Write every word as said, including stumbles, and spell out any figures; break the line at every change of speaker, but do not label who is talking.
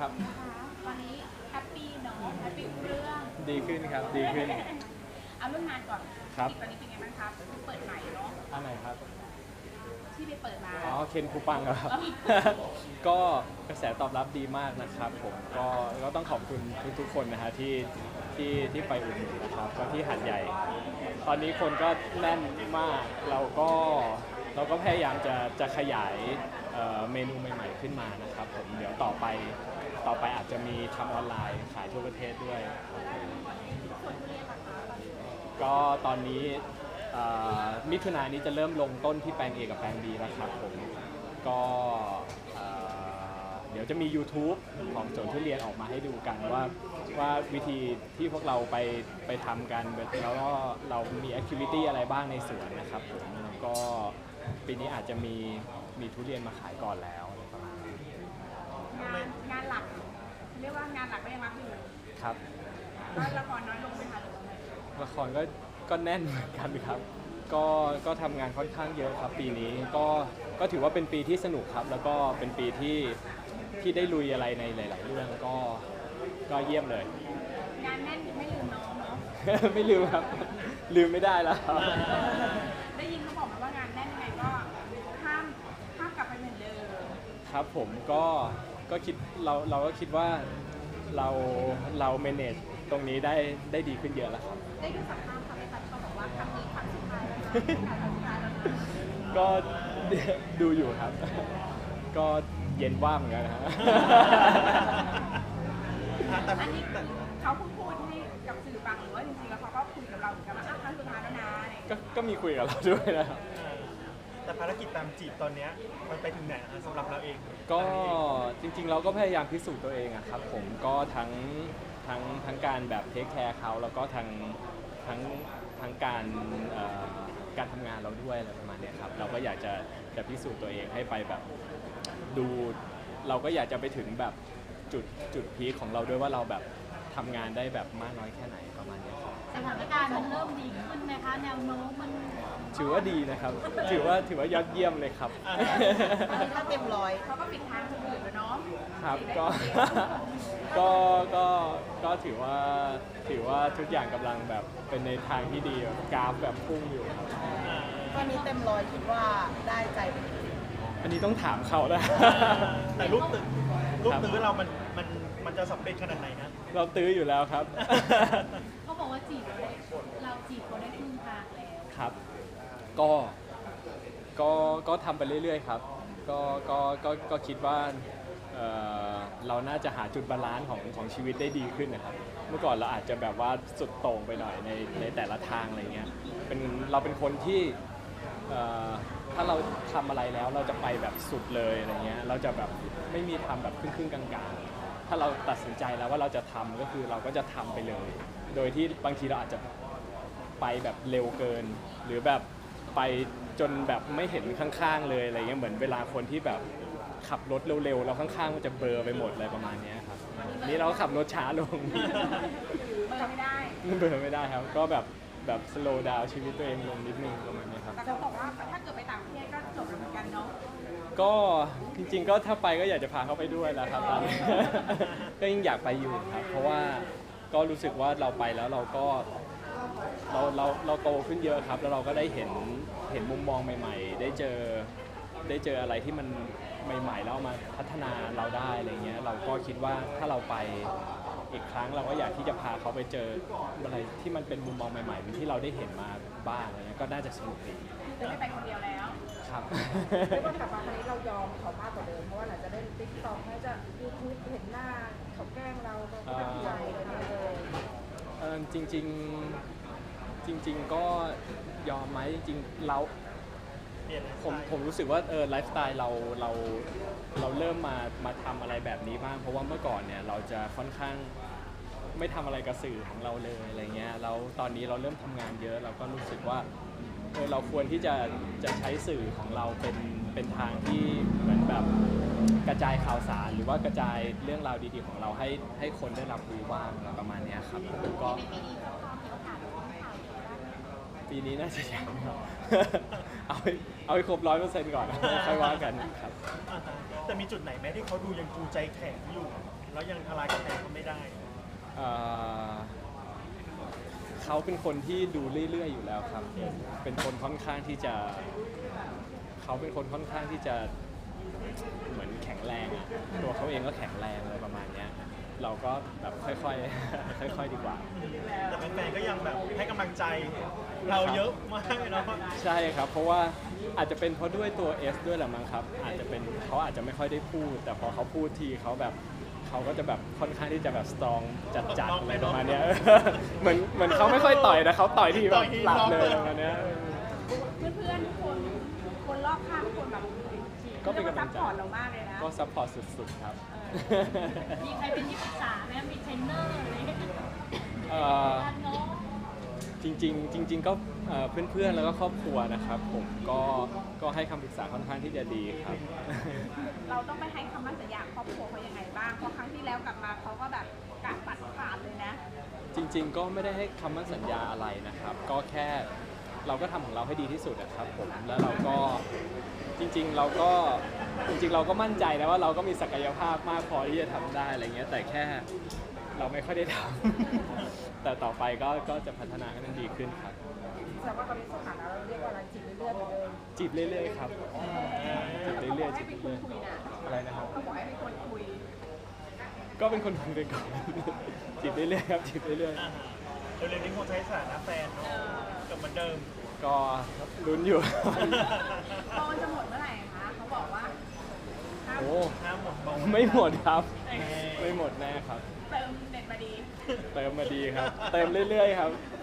ครับ
ตอนนี้แฮปปี้เนาะแฮปปี้เรื่อง
ดีขึ้นครับดีขึ้น
เอาเรื่องงานก่อน
ครับ
ตอนนี้เป็นไงบ้างครับเปิดใหม่เนาะ
อันไหนครับ
ที่ไปเปิดมา
อ๋อเคนคูปังครับ ก็กระแสตอบรับดีมากนะครับผมก็ก็ต้องขอบคุณทุกๆคนนะฮะที่ที่ที่ไปอุดหนุนนะครับก็ที่หัดใหญ่ ตอนนี้คนก็แน่นมากเราก็เราก็พยายามจะจะขยายเอ่อเมนูใหม่ๆขึ้นมานะครับผมเดี๋ยวต่อไปต่อไปอาจจะมีทำออนไลน์ขายทั่วประเทศด้วย ก็ตอนนี้เอ่อมิถุนายนนี้จะเริ่มลงต้นที่แปลง A กับแปลง B แล้วครับผมก็เอ่อเดี๋ยวจะมี YouTube ของสวนทุเรียนออกมาให้ดูกันว่าว่าวิธีที่พวกเราไปไปทำกันแล้วก็เรามีแอคทิวิตี้อะไรบ้างในสวนนะครับผมก็ปีนี้อาจจะมีมีทุเรียนมาขายก่อนแล้วประมาณนี้
งานงานหลักเรียกว่างานหลักก็ยังรับอยู่
ครับ
ก็ละครน้อยลงไหมคะหรือว่าไง
ละครก็ก็แน่นเหมือนกันครับ ก็ก็ทำงานค่อนข้างเยอะครับปีนี้ก็ก็ถือว่าเป็นปีที่สนุกครับ แล้วก็เป็นปีที่ที่ได้ลุยอะไรในหลาย ๆ เรื่องก็ก็เยี่ยมเลย
งานแน่นไม่ลืมน้องเนาะ
ไม่ลืมครับ ลืมไม่ได้แล้วครับ
ได้ยินเขาบอกมาว่างานแน่นยังไงก็ห้ามห้ามกลับไปเหมือนเดิม
ครับผมก็ก็คิดเราเราก็คิดว่าเราเรา manage ตรงนี้ได้ได้ดีขึ้นเยอะแล้วครับ
ได้ดูสัมภาษณ์ค่ะพี่ตั๊กเขาบอกว่าครั้งนี้ครั้งสุดท้ายแล้วนะครั้งสุดท้ายแล้วนะ
ก็ดูอยู่ครับ ก็เย็นว่างเหมือนกันนะฮะ
อันนี้เขาพูดพูดให้กับสื่อฟังหรือว่าจริงๆแล้วเขาก็คุยกับเราเหมือนกันว่าอ่ะครั้งสุดท้ายแล้วนะอะไรอย่างเงี้ย
ก็ก็มีคุยกับเราด้วยนะครับ
แต่ภารกิจตามจีบตอนเนี้ยมันไปถึงไหนอะสำหรับเราเอง
ก็จริงๆเราก็พยายามพิสูจน์ตัวเองอะครับผมก็ทั้งทั้งทั้งการแบบเทคแคร์เขาแล้วก็ทั้งทั้งทั้งการเอ่อการทำงานเราด้วยอะไรประมาณเนี้ยครับเราก็อยากจะจะพิสูจน์ตัวเองให้ไปแบบดูเราก็อยากจะไปถึงแบบจุดจุดพีคของเราด้วยว่าเราแบบทำงานได้แบบมากน้อยแค่ไหนประมาณเนี้ยครับ
สถานการณ์มันเริ่มดีขึ้นไหมคะแนวโน้มมัน
ถือว่าดีนะครับ ถือว่าถือว่ายอดเยี่ยมเลยครับ
ถ้าเต็มร้อยเขาก็ปิดทางคนอื่นแล้วเนาะ
ครับก็ ก็ก็ก็ถือว่าถือว่าทุกอย่างกำลังแบบเป็นในทางที่ดีแบบกราฟแบบพุ่งอยู่ครับ
ตอนนี้เต็มร้อยคิดว่าได้ใจเป็น
อันนี้ต้องถามเขาแล้ว
แต่ลูกตื้อลูก
ครับ
ตื้อเรามันมันมันจะสำเร็จขนาดไหนนะ
เราตื้ออยู่แล้วครับ
เขาบอกว่าจีบเราได้เราจีบเขาได้ครึ่งทางแล้ว
ครับ ก็ก็ก็ทำไปเรื่อยๆครับ ก็ก็ก็ก็คิดว่าเอ่อเราน่าจะหาจุดบาลานซ์ของของชีวิตได้ดีขึ้นนะครับ เมื่อก่อนเราอาจจะแบบว่าสุดโต่งไปหน่อยในในแต่ละทางอะไรเงี้ยเป็นเราเป็นคนที่เอ่อถ้าเราทำอะไรแล้วเราจะไปแบบสุดเลยอะไรเงี้ยเราจะแบบไม่มีทำแบบครึ่งๆกลางๆถ้าเราตัดสินใจแล้วว่าเราจะทำก็คือเราก็จะทำไปเลย โดยที่บางทีเราอาจจะไปแบบเร็วเกิน หรือแบบไปจนแบบไม่เห็นข้างๆเลยอะไรเงี้ยเหมือนเวลาคนที่แบบขับรถเร็วๆแล้วข้างๆมันจะเบลอไปหมดอะไรประมาณเนี้ยครับนี่เราก็ขับรถช้าลง
เปิดไม่ได้
เบลอไม่ได้ครับ ก็แบบแบบ slow down ชีวิตตัวเองลงนิดนึงประมาณนี้ครับ
แต่เขาบอกว่าถ้าเกิดไปต่างประเทศก็จบแล้วเหมือนกันเนาะ
ก็จริงๆก็ถ้าไปก็อยากจะพาเขาไปด้วยแหละครับตอนนี้ ก็ยิ่งอยากไปอยู่ครับ เพราะว่าก็รู้สึกว่าเราไปแล้วเราก็เราเราเราโตขึ้นเยอะครับ แล้วเราก็ได้เห็นเห็นมุมมองใหม่ๆ ได้เจอได้เจออะไรที่มันใหม่ๆแล้วเอามาพัฒนาเราได้อะไรเงี้ยเราก็คิดว่าถ้าเราไปอีกครั้งเราก็อยากที่จะพาเขาไปเจออะไรที่มันเป็นมุมมองใหม่ๆที่เราได้เห็นมาบ้างอะไรเงี้ยก็น่าจะสนุกดี
จะไม่ไปคนเดียวแล้ว
ครับ
เรียกว่ากลับมาครั้งนี้เรายอมเขามากกว่าเดิมเพราะว่าหลังจากได้ติ๊กต็อกน่าจะยูทูบเห็นหน้าเขาแกล้งเราเราก็แบบห่วงเลยเลย
เออจริงๆจริง ๆ ก็ยอมไหมจริงๆเรา
เปลี่ยน
ผมผมรู้สึกว่าเออไลฟ์สไตล์เราเราเราเริ่มมามาทำอะไรแบบนี้บ้างเพราะว่าเมื่อก่อนเนี่ยเราจะค่อนข้างไม่ทำอะไรกับสื่อของเราเลยอะไรเงี้ยแล้วตอนนี้เราเริ่มทำงานเยอะเราก็รู้สึกว่าเออเราควรที่จะจะใช้สื่อของเราเป็นเป็นทางที่เหมือนแบบกระจายข่าวสาร หรือว่ากระจายเรื่องราวดีๆของเราให้ให้คนได้รับรู้บ้างอะไรประมาณเนี้ยครับผมก็
ในปีนี้เขาพอมีโอกาสได้ข่าวดีบ้างไหม
ปีนี้น่าจะยังครับ เอาให้เอาให้ครบร้อยเปอร์เซ็นต์ก่อน ค่อยว่ากันครับ
อ่าฮะแต่มีจุดไหนไหมที่เขาดูยังจูใจแข็งอยู่แล้วยังทลายกำแพงเขาไม่ได้
เอ่อเขาเป็นคนที่ดูเรื่อยๆอยู่แล้วครับ เป็นคนค่อนข้างที่จะ เขาเป็นคนค่อนข้างที่จะเหมือนแข็งแรงอะตัวเขาเองก็แข็งแรงอะไรประมาณเนี้ย เราก็แบบค่อยๆ ค่อยๆ ดีกว่า
แต่แฟนๆก็ยังแบบให้กำลังใจเราเยอะมากเลยเนาะ
ใช่ครับ เพราะว่าอาจจะเป็นเพราะด้วยตัว S ด้วยแหละมั้งครับ อาจจะเป็นเขาอาจจะไม่ค่อยได้พูด แต่พอเขาพูดทีเขาแบบเขาก็จะแบบค่อนข้างที่จะแบบสตรองจัดๆอะไรประมาณเนี้ย เหมือนเหมือนเขาไม่ค่อยต่อยนะเขาต่อยทีแบบหลับเลยประมาณเนี้ย
เพื่อนๆทุกคนคนรอบข้างทุกคนแบบ
ก็เป็นกำลังใจ
ซัพพอร์ตเรามากเลยนะ
ก็ซัพพอร์ตสุดๆครับ
มีใครเป็นที่ปรึกษาไหมมีเทรนเนอร์อะไรอย่างเงี้ย
เอ่อ
การเนาะ
จริงๆจริง ๆ ก็เอ่อเพื่อนๆแล้วก็ครอบครัวนะครับ ผมก็ก็ให้คำปรึกษาค่อนข้างที่จะดีครับ
เราต้องไปให้คำมั่นสัญญาครอบครัวเขายังไงบ้าง เพราะครั้งที่แล้วกลับมาเขาก็แบบกะปัดขาดเลยนะ
จริง ๆ ก็ไม่ได้ให้คำมั่นสัญญาอะไรนะครับ ก็แค่เราก็ทำของเราให้ดีที่สุดนะครับผมแล้วเราก็จริง ๆ เราก็จริงๆ เราก็มั่นใจนะว่าเราก็มีศักยภาพมากพอที่จะทำได้อะไรเงี้ยแต่แค่เราไม่ค่อยได้ทำ แต่ต่อไปก็ก็จะพัฒนาให้มันดีขึ้นครับ
แสดงว่าตอนนี้สถานะเราเรียกว่าอะไรจีบเรื่อยๆเหมือนเดิม
จีบเรื่อยๆครับจีบ
เขา
เรื่
บ
อ
อย ก
ๆ
ให้
จีบ
เป็นค
เรื่
น
อย
คุยนะ
ๆอะไรนะครับ
เขาบอกให้เป็นคนคุย
ก็เป็นคนคุยไปก่อน จีบเรื่อยๆครับจีบเรื่อย
อ่าฮะเร็วๆนี้คงใช้สถานะแฟนเนาะกลับเหมือนเดิม
ๆก็ลุ้นอยู่
โปรจะหมดเมื่อไหร่คะเขาบอกว่าห้าม
โอ้
ห้ามหมดมอง
ไม่หมดครับ ไม่หมดแน่ครับ
เติมเน็ตมาดี
เติมมาดีครับ เติมเรื่อยๆครับ
เ